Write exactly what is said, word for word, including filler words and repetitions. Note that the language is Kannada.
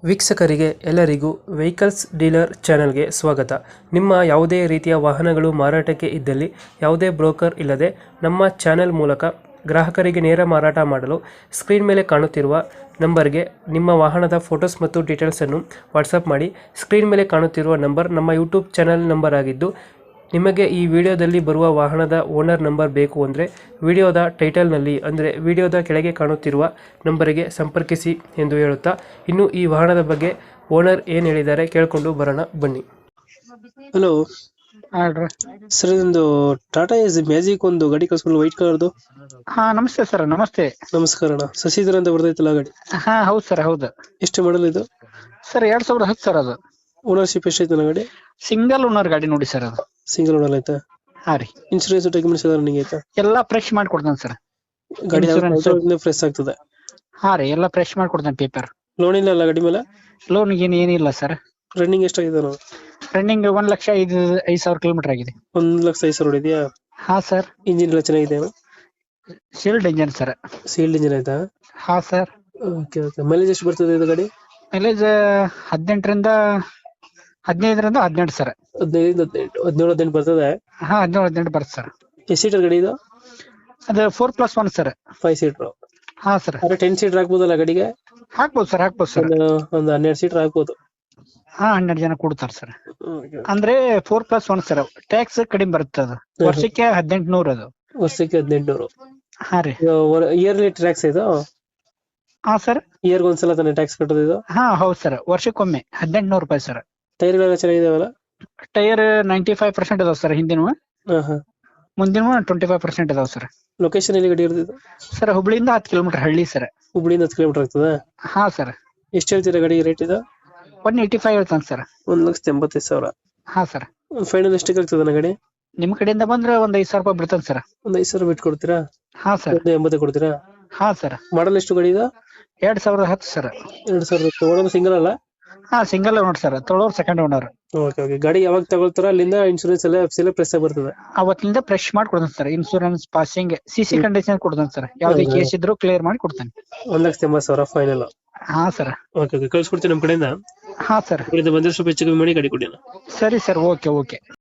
ವೀಕ್ಷಕರಿಗೆ ಎಲ್ಲರಿಗೂ ವೆಹಿಕಲ್ಸ್ ಡೀಲರ್ ಚಾನೆಲ್ಗೆ ಸ್ವಾಗತ. ನಿಮ್ಮ ಯಾವುದೇ ರೀತಿಯ ವಾಹನಗಳು ಮಾರಾಟಕ್ಕೆ ಇದ್ದಲ್ಲಿ ಯಾವುದೇ ಬ್ರೋಕರ್ ಇಲ್ಲದೆ ನಮ್ಮ ಚಾನೆಲ್ ಮೂಲಕ ಗ್ರಾಹಕರಿಗೆ ನೇರ ಮಾರಾಟ ಮಾಡಲು ಸ್ಕ್ರೀನ್ ಮೇಲೆ ಕಾಣುತ್ತಿರುವ ನಂಬರ್ಗೆ ನಿಮ್ಮ ವಾಹನದ ಫೋಟೋಸ್ ಮತ್ತು ಡೀಟೇಲ್ಸನ್ನು ವಾಟ್ಸಪ್ ಮಾಡಿ. ಸ್ಕ್ರೀನ್ ಮೇಲೆ ಕಾಣುತ್ತಿರುವ ನಂಬರ್ ನಮ್ಮ ಯೂಟ್ಯೂಬ್ ಚಾನೆಲ್ ನಂಬರ್ ಆಗಿದ್ದು, ನಿಮಗೆ ಈ ವಿಡಿಯೋದಲ್ಲಿ ಬರುವ ವಾಹನದ ಓನರ್ ನಂಬರ್ ಬೇಕು ಅಂದರೆ ವಿಡಿಯೋದ ಟೈಟಲ್ನಲ್ಲಿ ಅಂದರೆ ವಿಡಿಯೋದ ಕೆಳಗೆ ಕಾಣುತ್ತಿರುವ ನಂಬರಿಗೆ ಸಂಪರ್ಕಿಸಿ ಎಂದು ಹೇಳುತ್ತಾ, ಇನ್ನು ಈ ವಾಹನದ ಬಗ್ಗೆ ಓನರ್ ಏನು ಹೇಳಿದ್ದಾರೆ ಕೇಳಿಕೊಂಡು ಬರೋಣ ಬನ್ನಿ. ಹಲೋ ಹೇಳ್ರಿ. ಸರ್, ಇದೊಂದು ಟಾಟಾ ಎಸ್ ಮ್ಯಾಜಿಕ್ ಒಂದು ಗಾಡಿ ಕಳ್ಸ್ಕೊಂಡು ವೈಟ್ ಕಲರ್ದು. ಹಾ ನಮಸ್ತೆ ಸರ್. ನಮಸ್ತೆ. ನಮಸ್ಕಾರ ಅಣ್ಣ. ಶಶಿಧರ್ ಅಂತ ಬರ್ತೈತಲ್ಲ ಗಾಡಿ, ಹಾ ಹೌದು ಸರ್, ಹೌದು ಎಷ್ಟು ಮಾಡಲ್ ಇದು? ಸರ್ ಎರಡ್ ಸಾವಿರದ ಹತ್ತು ಸರ್. ಅದು ಓನರ್ಶಿಪ್ ಎಷ್ಟೈತೆ ಗಾಡಿ? ಸಿಂಗಲ್ ಓನರ್ ಗಾಡಿ ನೋಡಿ ಸರ್. ಅದು ಸಿಂಗಲ್ ಓನರ್ ಆಯ್ತಾ? ಹಾ ರೀ. ಇನ್ಶೂರೆನ್ಸ್ ಡಾಕ್ಯುಮೆಂಟ್ಸ್ ಎಲ್ಲ ರನ್ನಿಂಗ್ ಆಯ್ತಾ? ಎಲ್ಲಾ ಫ್ರೆಶ್ ಮಾಡ್ಕೊಡ್ತಾನೆ ಸರ್. ಗಾಡಿ Insurance- ಫ್ರೆಶ್ ಆಗ್ತದೆ? ಹಾ ರೀ, ಎಲ್ಲಾ ಫ್ರೆಶ್ ಮಾಡ್ಕೊಡ್ತಾನೆ. ಪೇಪರ್ ಲೋನ್ ಇಲ್ಲ ಅಲ್ಲ ಗಾಡಿ ಮೇಲೆ? ಲೋನ್ ಗೀನ್ ಏನಿಲ್ಲ ಸರ್. ರನ್ನಿಂಗ್ ಎಷ್ಟಾಗಿದೆ ನಾವು? ರನ್ನಿಂಗ್ ಒಂದ್ ಲಕ್ಷ ಐದು ಐದ್ ಸಾವಿರ ಕಿಲೋಮೀಟರ್ ಆಗಿದೆ. ಒಂದ್ ಲಕ್ಷ ಐದು ಸಾವಿರ ಹೊಡಿದ್ಯಾ? ಹಾ ಸರ್. ಇಂಜಿನ್ ಎಲ್ಲ ಚೆನ್ನಾಗಿದೆ? Shield engine sir. Sealed engine ಆಯ್ತಾ? ಹಾ ಸರ್. Okay okay. ಮೈಲೇಜ್ ಎಷ್ಟು ಬರ್ತದೆ ಇದು ಗಾಡಿ? ಮೈಲೇಜ್ ಹದಿನೆಂಟರಿಂದ ಹದಿನೈದರಿಂದ ಹದಿನೆಂಟು ಸರ್. ಹದಿನೈದು ಹದಿನೆಂಟು ಹದಿನೇಳು ಹದಿನೆಂಟು ಬರ್ತದೆ? ಹಾ ಹದಿನೇಳು ಹದಿನೆಂಟು ಬರುತ್ತೆ ಸರ್. ಎಷ್ಟು ಸೀಟರ್ ಗಾಡಿ ಇದು? ಅದು four plus one sir. Five seater? ಹಾ ಸರ್. ಅದೇ ಟೆನ್ ಸೀಟರ್ ಹಾಕ್ಬೋದಲ್ಲ ಗಾಡಿಗೆ? ಹಾಕ್ಬೋದು ಸರ್, ಹಾಕ್ಬೋದು ಸರ್. ಒಂದು ಒಂದು ಹನ್ನೆರಡು ಸೀಟರ್ ಹಾಕ್ಬೋದು. ಹಾ ಹನ್ನೆರಡು ಜನ ಕೊಡ್ತಾರೆ ಸರ್. ಅಂದ್ರೆ four plus one sir. Tax ಕಡಿಮೆ ಬರುತ್ತೆ. ಅದು ವರ್ಷಕ್ಕೆ ಹದಿನೆಂಟು ನೂರ. ಅದು ವರ್ಷಕ್ಕೆ ಹದಿನೆಂಟುನೂರು? ಹಾ ರೀ. ಇಯರ್ಲಿ ಟ್ಯಾಕ್ಸ್ ಇದು? ಹಾ ಸರ್. ಇಯರ್ಗೆ ಒಂದ್ಸಲ ತಾನೇ ಟ್ಯಾಕ್ಸ್ ಕಟ್ಟೋದು ಇದು? ಹಾ ಹೌದು ಸರ್, ವರ್ಷಕ್ಕೊಮ್ಮೆ ಹದಿನೆಂಟು ನೂರು ರೂಪಾಯಿ ಸರ್. ಟೈರ್ಗಳೆಲ್ಲ ಚೆನ್ನಾಗಿದಾವಲ್ಲ? ಟೈರ್ ನೈಂಟಿ ಫೈವ್ ಪರ್ಸೆಂಟ್ ಅದಾವ ಸರ್. ಹಿಂದಿನ ಹಾ ಹಾ. ಮುಂದಿನ ಟ್ವೆಂಟಿ ಫೈವ್ ಪರ್ಸೆಂಟ್ ಅದಾವ ಸರ್. ಲೊಕೇಶನ್ ಎಲ್ಲಿ ಗಾಡಿ ಇರೋದು? ಸರ್ ಹುಬ್ಳಿಯಿಂದ ಹತ್ತು ಕಿಲೋಮೀಟರ್ ಹಳ್ಳಿ ಸರ್. ಹುಬ್ಳಿಯಿಂದ ಹತ್ತು ಕಿಲೋಮೀಟರ್ ಆಗ್ತದ? ಹಾ ಸರ್. ಎಷ್ಟು ಹೇಳ್ತೀರಾ ಗಾಡಿ ರೇಟ್ ಇದು? ಒನ್ ಏಯ್ಟಿ ಫೈವ್ ಹೇಳ್ತಾನೆ ಸರ್. ಒಂದ್ ಲಕ್ಷದ ಎಂಬತ್ತೈದು ಸಾವಿರ? ಹಾ ಸರ್. ಫೈನಲ್ ಎಷ್ಟಕ್ಕೆ ಆಗ್ತದ ಗಾಡಿ? ನಿಮ್ ಕಡೆಯಿಂದ ಬಂದ್ರೆ ಒಂದ್ ಐದ್ ಸಾವಿರ ರೂಪಾಯಿ ಬಿಡ್ತಾನೆ ಸರ್. ಒಂದ್ ಐದು ಸಾವಿರ ಬಿಟ್ಟು ಕೊಡ್ತೀರಾ? ಹಾ ಸರ್. ಒಂದು ಎಂಬತ್ತು ಕೊಡ್ತೀರಾ? ಹಾ ಸರ್. ಮಾಡಲ್ ಎಷ್ಟು ಗಾಡಿ ಇದು? ಎರಡ್ ಸಾವಿರದ ಹತ್ತು ಸರ್. ಎರಡ್ ಸಾವಿರದ ಓನರ್ ಸಿಂಗಲ್ ಅಲ್ಲ? ಹಾ ಸಿಂಗಲ್ ಓನರ್ ಸರ್. ತೊಳೋರ್ ಸೆಕೆಂಡ್ ಓನರ್. Okay okay. ಗಾಡಿ ಯಾವಾಗ ತಗೊಳ್ತಾರ ಅಲ್ಲಿಂದ ಇನ್ಶೂರೆನ್ಸ್ ಎಲ್ಲ ಎಫ್ ಸಿ ಎಲ್ಲ ಪ್ರೆಸ್ ಆಗಿ ಬರ್ತದೆ? ಅವತ್ತಿಂದ ಫ್ರೆಶ್ ಮಾಡಿ ಕೊಡ್ತಾನೆ sir. Insurance, passing, CC condition ಕೊಡ್ತಾನೆ ಸರ್. ಯಾವ್ದೇ ಕೇಸ್ ಇದ್ರು ಕ್ಲಿಯರ್ ಮಾಡಿ ಕೊಡ್ತಾನೆ. ಒಂದ್ ಲಕ್ಷದ ಎಂಬತ್ತು ಸಾವಿರ ಫೈನಲ್? ಹಾ ಸರ್. Okay okay. ಕಳ್ಸ್ಕೊಡ್ತೀನಿ ನಮ್ಮ ಕಡೆಯಿಂದ. ಹಾ ಸರ್. ಬಂದ್ರೆ ಸ್ವಲ್ಪ ಹೆಚ್ಚು ಕಮ್ಮಿ ಮಾಡಿ ಗಾಡಿ ಕೊಡಿ. ಸರಿ ಸರ್. Okay okay.